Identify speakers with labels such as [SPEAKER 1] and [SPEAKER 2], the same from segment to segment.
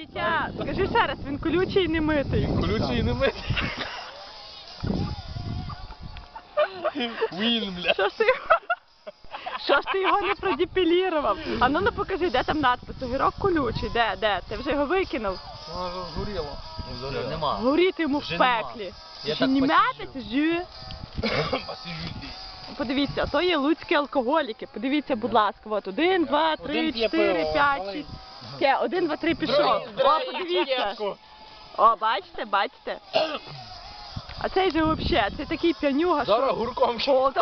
[SPEAKER 1] Вітя, скажи ще раз, він колючий і не митий.
[SPEAKER 2] Колючий і не митий. Він, бля.
[SPEAKER 1] Що ж ти його не продепілірував? А ну покажи, де там надпис, огірок колючий, де? Ти вже його викинув?
[SPEAKER 2] Воно вже згоріло.
[SPEAKER 3] Вже нема.
[SPEAKER 1] Горіти йому в
[SPEAKER 3] Вже нема.
[SPEAKER 1] пеклі.
[SPEAKER 3] Я
[SPEAKER 1] Чи
[SPEAKER 3] так
[SPEAKER 1] не
[SPEAKER 3] посиджу.
[SPEAKER 1] м'ятець, жю? Подивіться, то є луцькі алкоголіки. Подивіться, будь ласка, от 1, 2, 3,
[SPEAKER 2] Один п'є
[SPEAKER 1] 4,
[SPEAKER 2] пиво,
[SPEAKER 1] 5,
[SPEAKER 2] малий.
[SPEAKER 1] 6. 1, 2, 3 пішов. О, подивіться. О, бачите? А цей же взагалі, це такий п'янюга, що...
[SPEAKER 2] Зараз гурком.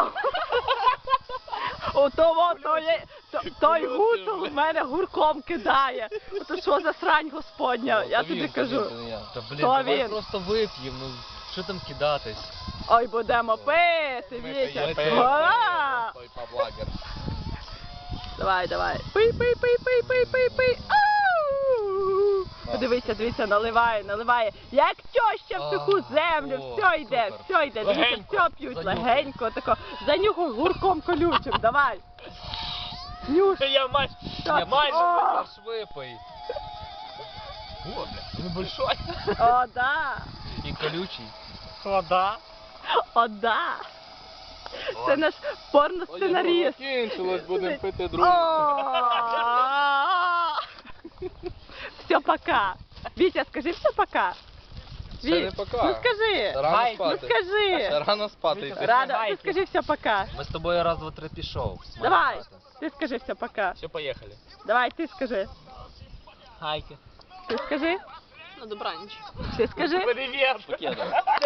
[SPEAKER 1] Той гуцул в мене гурком кидає. Ото що за срань господня, я тобі кажу.
[SPEAKER 3] Та блін,
[SPEAKER 1] То
[SPEAKER 3] давай
[SPEAKER 1] він.
[SPEAKER 3] просто вип'ємо, ну що там кидатись?
[SPEAKER 1] Ой, будемо пити, Вітя. Га!
[SPEAKER 2] Той паблагер.
[SPEAKER 1] Давай. Пий. Ау! Подивися, наливає. Як тьоща в суху землю,
[SPEAKER 3] О,
[SPEAKER 1] все йде. Дивіться,
[SPEAKER 2] Легенько.
[SPEAKER 1] все п'ють,
[SPEAKER 3] Занюхай.
[SPEAKER 1] легенько, тако. Занюхай гурком колючим, давай. Нюш.
[SPEAKER 2] Я майже.
[SPEAKER 1] Так.
[SPEAKER 2] Я майже.
[SPEAKER 1] О!
[SPEAKER 3] Аж випий.
[SPEAKER 2] О, бля, він большой.
[SPEAKER 1] О, да.
[SPEAKER 3] І колючий.
[SPEAKER 2] Вода.
[SPEAKER 1] О, да. Це наш порносценаріст.
[SPEAKER 2] Закінчилось, будемо пити
[SPEAKER 1] О!
[SPEAKER 2] другу.
[SPEAKER 1] Все, пока. Вітя, скажи все пока.
[SPEAKER 2] Ще не пока.
[SPEAKER 1] Ну скажи.
[SPEAKER 2] Рано
[SPEAKER 1] Ну
[SPEAKER 2] спати.
[SPEAKER 1] скажи.
[SPEAKER 2] Ще рано спати йти.
[SPEAKER 1] Рано, ти скажи все пока.
[SPEAKER 3] Ми з тобою раз, два, три пішов.
[SPEAKER 1] Давай, ти скажи все пока.
[SPEAKER 2] Все, поїхали.
[SPEAKER 1] Давай, ти скажи.
[SPEAKER 3] Хайки.
[SPEAKER 1] Ти скажи.
[SPEAKER 4] На добраніч.
[SPEAKER 1] Ти скажи.
[SPEAKER 2] Привіт.
[SPEAKER 3] Покеда.